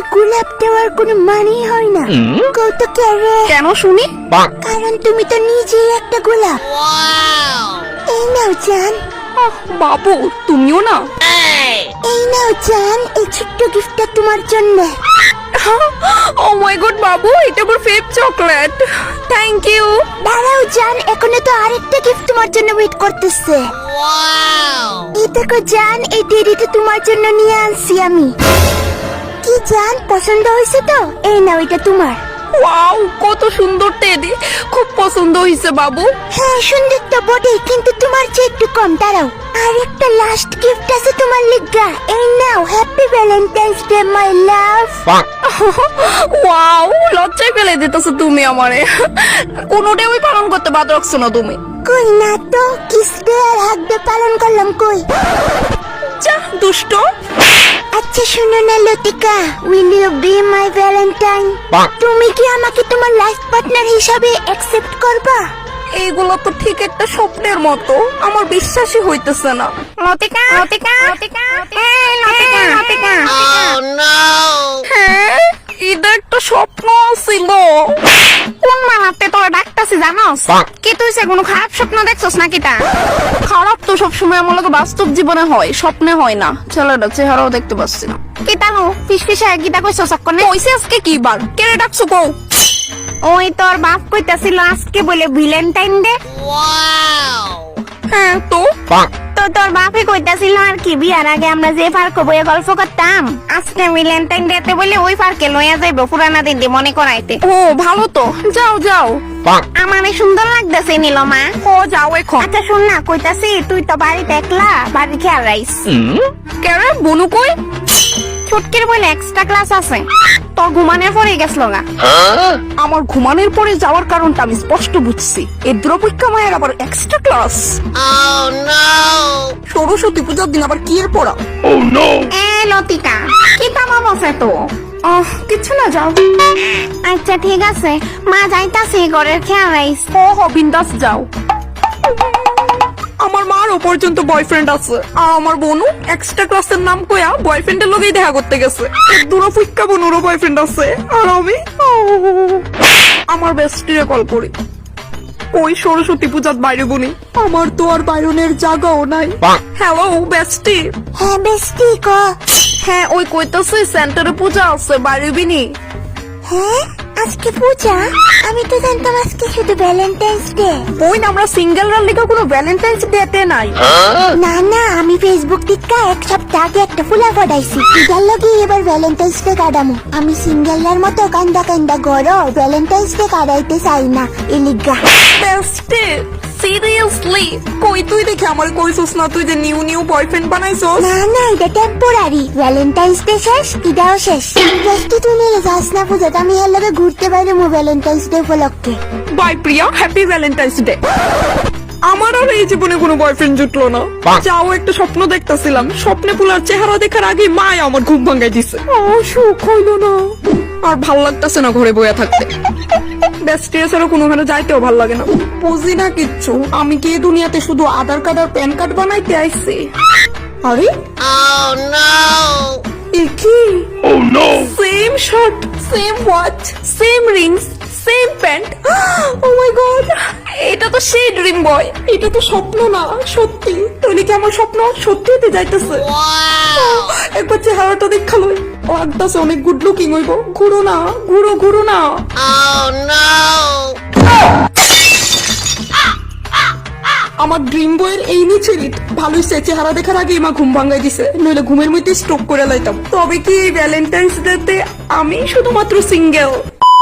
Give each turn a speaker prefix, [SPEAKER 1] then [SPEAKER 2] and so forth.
[SPEAKER 1] গোলাপ দেওয়ার কোনো মানেই হয় না। কৌতুক রে,
[SPEAKER 2] কেন শুনি?
[SPEAKER 1] কারণ তুমি তো নিজেই একটা গোলাপ। এই নাও জান।
[SPEAKER 2] বাবু তুমিও না?
[SPEAKER 1] এই নাও জান, এই ছোট্ট গিফটটা তোমার জন্য।
[SPEAKER 2] ও মাই গড বাবু, এটা আমার ফেভ চকলেট। Thank you.
[SPEAKER 1] দাঁড়াও জান, এখনো তো আরেকটা গিফট তোমার জন্য ওয়েট করতেছে। এই দেখো জান, এই টেডিটা তোমার জন্য নিয়ে আনছি আমি। কি জান, পছন্দ হয়েছে তো? এই নাও, এটা তোমার।
[SPEAKER 2] ওয়াও, কত সুন্দর টেডি, খুব পছন্দ হয়েছে বাবু।
[SPEAKER 1] হ্যাঁ সুন্দর তো বটেই, কিন্তু তোমার চেয়ে একটু কম। দাঁড়াও, আর একটা লাস্ট গিফট আছে তোমার লিগা। এই নাও, happy Valentine's day my love.
[SPEAKER 2] Wow, লজ্জায় ফেলে দিতেছো তুমি আমারে। কোনোটাই ওই পালন করতে বাদ রাখছো না তুমি।
[SPEAKER 1] কই না তো, কিস ডে আর হাগ ডে পালন করলাম কই।
[SPEAKER 2] যা দুষ্ট।
[SPEAKER 1] আচ্ছা শুনো না Latika, will you be my valentine? তুমি কি আমাকে তোমার লাইফ পার্টনার হিসাবে অ্যাকসেপ্ট করবা?
[SPEAKER 2] এইগুলো তো ঠিক একটা স্বপ্নের মতো, আমার বিশ্বাসই হইতেছে না। লতিকা, লতিকা, লতিকা, এই লতিকা, লতিকা। হ্যাঁ, এটা একটা স্বপ্ন ছিল। কোন মালাতে তোরা ডাকতাছি জানোস? কি তুই সে কোনো খারাপ স্বপ্ন দেখছস নাকি? তা খারাপ তো সবসময় আমার লোক বাস্তব জীবনে হয়, স্বপ্নে হয় না। ছেলেটা চেহারাও দেখতে পাচ্ছি না। কি তানো ফিসফিসা গীতা কইছস কনে? কইছে আজকে কি বার? কেড়ে ডাকছো কও?
[SPEAKER 1] ওই তোর বাপ কইতাছিল আজকে বলে ভ্যালেন্টাইন ডে।
[SPEAKER 2] হ্যাঁ তো
[SPEAKER 1] তো তোর বাপে কইতাছিল আর কি, বিয়ার আগে আমরা যে পার্কে বইয়ে গল্প করতাম, আজকে ভ্যালেন্টাইন ডে তে বলে ওই পার্কে লইয়া যাইবো পুরানা দিন দিয়ে মনে করাইতে।
[SPEAKER 2] ও ভালো তো, যাও যাও।
[SPEAKER 1] আমারে সুন্দর লাগতেছে নীলমা।
[SPEAKER 2] ও যাও এখন।
[SPEAKER 1] আচ্ছা শুন না, কইতাছি তুই তো বাড়িতে একলা, বাড়ি খেয়াল রাইস।
[SPEAKER 2] কেরে বনু কই?
[SPEAKER 1] ছুটকির বলে এক্সট্রা ক্লাস আছে, তোর ঘুমানোর পরে গেছিল গা।
[SPEAKER 2] আমার ঘুমানোর পরে যাওয়ার কারণটা আমি স্পষ্ট বুঝছি। এই দ্রৌপদীকা মায়ের আবার এক্সট্রা ক্লাস। সরস্বতী পূজার দিন আবার কি এর পড়া?
[SPEAKER 1] এ লতিকা, কি তামাম আছে তো?
[SPEAKER 2] কিছু না, যাও।
[SPEAKER 1] আচ্ছা ঠিক আছে, মা যাইতাছে, ঘরের খেয়াল রাইস।
[SPEAKER 2] ও বিন্দাস যাও। আমার মারও পর্যন্ত বয়ফ্রেন্ড আছে, আর আমার বোনও এক্সট্রা ক্লাসের নাম কইয়া বয়ফ্রেন্ডের লগেই দেখা করতে গেছে। দুরফিক্কা বোনেরও বয়ফ্রেন্ড আছে, আর আমি আমার বেস্টিরে কল করি। ওই সরস্বতী পূজার বাইরে বনি, আমার তো আর বাইরনের জায়গাও নাই। Hello bestie.
[SPEAKER 1] হ্যাঁ বেস্টি ক।
[SPEAKER 2] হ্যাঁ ওই কইতাছে সেন্টারে পূজা আছে, বাইরে বিনি।
[SPEAKER 1] হ্যাঁ আজকে পূজা? আমি তো জানতাম আজকে শুধু ভ্যালেন্টাইন্স ডে।
[SPEAKER 2] ওই না, আমরা সিঙ্গেলরা লেখা কোনো ভ্যালেন্টাইন্স ডে নাই।
[SPEAKER 1] না না, আমি ফেসবুক টিকা এক সপ্তাহ আগে একটা ফুলা ফটাইছি, এটার লগে এবার ভ্যালেন্টাইন্স ডে কাটামো। আমি সিঙ্গেলরার মতো কান্দা কান্দা গড় ভ্যালেন্টাইন্স ডে কাটাইতে চাই না, এলিগা।
[SPEAKER 2] বেস্টি সিরিয়াসলি কই তুই দেখে আমার কইছস না তুই যে নিউ নিউ বয়ফ্রেন্ড বানাইছস?
[SPEAKER 1] না না, এটা টেম্পোরারি, ভ্যালেন্টাইন্স ডে শেষ, এটাও শেষ। বেস্টি তুই নিয়ে যাস না পূজাতে, আমি এর লগে ঘুরতে বাইরে মো ভ্যালেন্টাইন্স ডে উপলক্ষে।
[SPEAKER 2] Bye Priya, happy Valentine's day. আমার আর এই জীবনে কোনো বয়ফ্রেন্ড জুটলো না। যাও, একটা স্বপ্ন দেখতেছিলাম, স্বপ্নে পুলার চেহারা দেখার আগে মায় আমার ঘুম ভাঙাই দিছে। সুখ হইলো না, আর ভাল লাগতেছে না ঘরে বইয়া থাকতে। বেস্টিয়া ছাড়া কোনোখানে যাইতেও ভাল লাগে না। বুঝি না কিচ্ছু, আমি কি এই দুনিয়াতে শুধু আধার কার্ড আর প্যান কার্ড বানাইতে আইছি? আরে কি same shirt, same watch, same rings, same pant. Oh my god, এটা তো সেই ড্রিম বয়। এটা তো স্বপ্ন না, সত্যি। তাহলে কি আমার স্বপ্ন সত্যি হতে যাইতেছে? একবার চেহারাটা দেখালো, লাগতেছে অনেক গুড লুকিং হইব। ঘুরো না, ঘুরো ঘুরো না। আমার ড্রিম বয়ের এই নিচে ভালোই সে চেহারা দেখার আগে মা ঘুম ভাঙাই দিছে, নইলে ঘুমের মধ্যে স্ট্রোক করে লাইতাম। তবে কি ভ্যালেন্টাইন্স ডে তে আমি শুধুমাত্র সিঙ্গেল।